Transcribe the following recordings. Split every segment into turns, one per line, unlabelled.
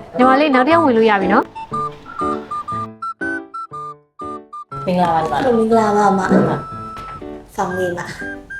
ညီမလေးနောက်တစ်ယောက်ဝင်လို့ရပြီနော်
မင်္ဂလာပါညီမ
မင်္ဂလာပါမဆောင်လေးပါ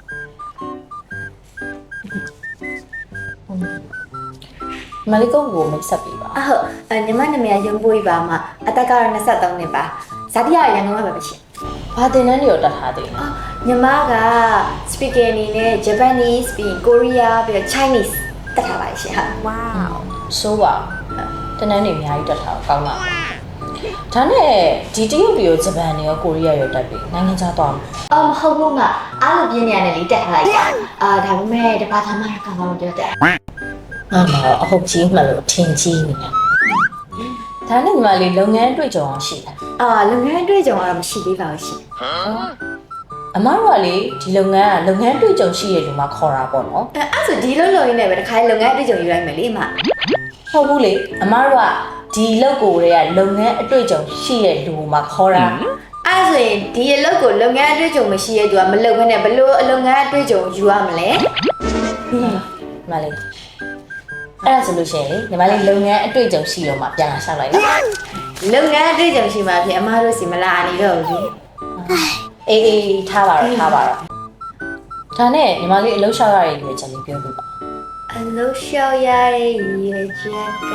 မလေးကိုမိတ်ဆက်ပေးပါ
အဟုတ်ညီမနာမည်ရုံပွေးပါမအသက်ကတော့23နှစ်ပါဇာတိရရန်ကုန်ကပဲရှင်
ဘာတင်တန်းတွေရောတက်ထားသေးလဲ
ညီမက speaker အနေနဲ့ Japanese ပြီး Korea ပြီးတော့ Chinese တက်ထားပါရှင်ဟာ
wow
ဆိုးပါတင်တန်းတွေအများကြီးတက်ထားတော့ကောင်းပါဒါနဲ့ဒီတရုတ်ပြည်ရောဂျပန်တွေရောကိုရီးယားရောတက်ပြီနိုင်ငံခြားသွားမှာ
မဟုတ်ဘူးမအားလို့ပြင်းနေရတယ်လေတက်ထားလိုက်တာဒါပေမဲ့တပါးသားမရကောင်တော့ပြောတယ်
ငါမအဟုတ်ကြီးမှလို့ထင်ကြီးနေတယ်ဒါနဲ့ညီမလေးလုပ်ငန်းတွေ့ကြုံအောင်ရှိတယ်
လုပ်ငန်းတွေ့ကြုံကတော့မရှိသေးပါဘူးရှင်
အမတို့ကလေဒီလုပ်ငန်းကလုပ်ငန်းတွေ့ကြုံရှိရလူမှခေါ်တာပေါ့နော်
အဲ့ဆိုဒီလိုရင်းနဲ့ပဲတစ်ခါလုပ်ငန်းတွေ့ကြုံယူလိုက်မယ်လေမ
ဟုတ်ဘူးလေအမတို့ကဒီလုပ်ကိုတွေကလုပ်ငန်းအတွေ့အကြုံရှိရလူမှခေါ်တာ
အဲ့ဆိုရင်ဒီအလုပ်ကိုလုပ်ငန်းအတွေ့အကြုံမရှိရဲ့သူကမလုပ်ဘဲနဲ့ဘလို့အလုပ်ငန်းအတွေ့အကြုံယူရမလဲ
ညီမလေးအဲ့ဒါဆိုလို့ရှိရင်လေညီမလေးလုပ်ငန်းအတွေ့အကြုံရှိတော့မှပြန်လာရှောက်လိုက်လား
လုပ်ငန်းအတွေ့အကြုံရှိမှဖြစ်အမားတို့စီမလာနေတော့ဘူး
အေးထားပါတော့ဒါနဲ့ညီမလေးအလုပ်ရှောက်ရတဲ့ရွေးချက်လေးပြောပြပါ
အလုပ်လျှောက်ရတဲ့ရည်ချက်က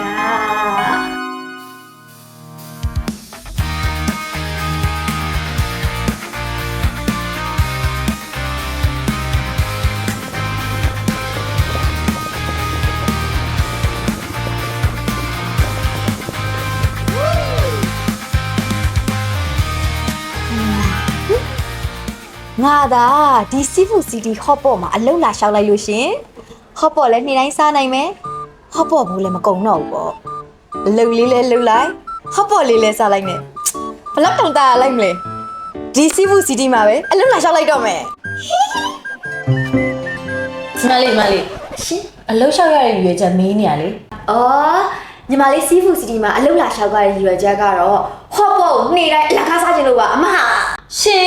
ငါသာဒီစီဖူစီတီဟော့ပေါ့မှာအလုပ်လာလျှောက်လိုက်လို့ရှင်ဟော့ပေါ့လည်းနေ့တိုင်းစားနိုင်မယ်ဟော့ပေါ့ဘူးလည်းမကုန်တော့ဘူးပေါ့အလုပ်လေးလည်းလုပ်လိုက်ဟော့ပေါ့လေးလည်းစားလိုက်နဲ့ဘလောက်တောင်တာလိုက်မလဲဒီစီဖူစီတီမှာပဲအလုပ်လာလျှောက်လိုက်တော့မယ်
ညီမလေး
ရှင်
အလုပ်ရှောက်ရတဲ့ရွေးချက်မင်းနေရလေ
အော်ညီမလေးစီဖူစီတီမှာအလုပ်လာလျှောက်ရတဲ့ရည်ရွယ်ချက်ကတော့ဟော့ပေါ့ကိုနေ့တိုင်းအလကားစားခြင်းလို့ပါအမဟာ
ရှင်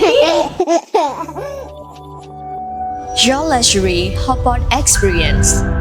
Your luxury hotpot experience.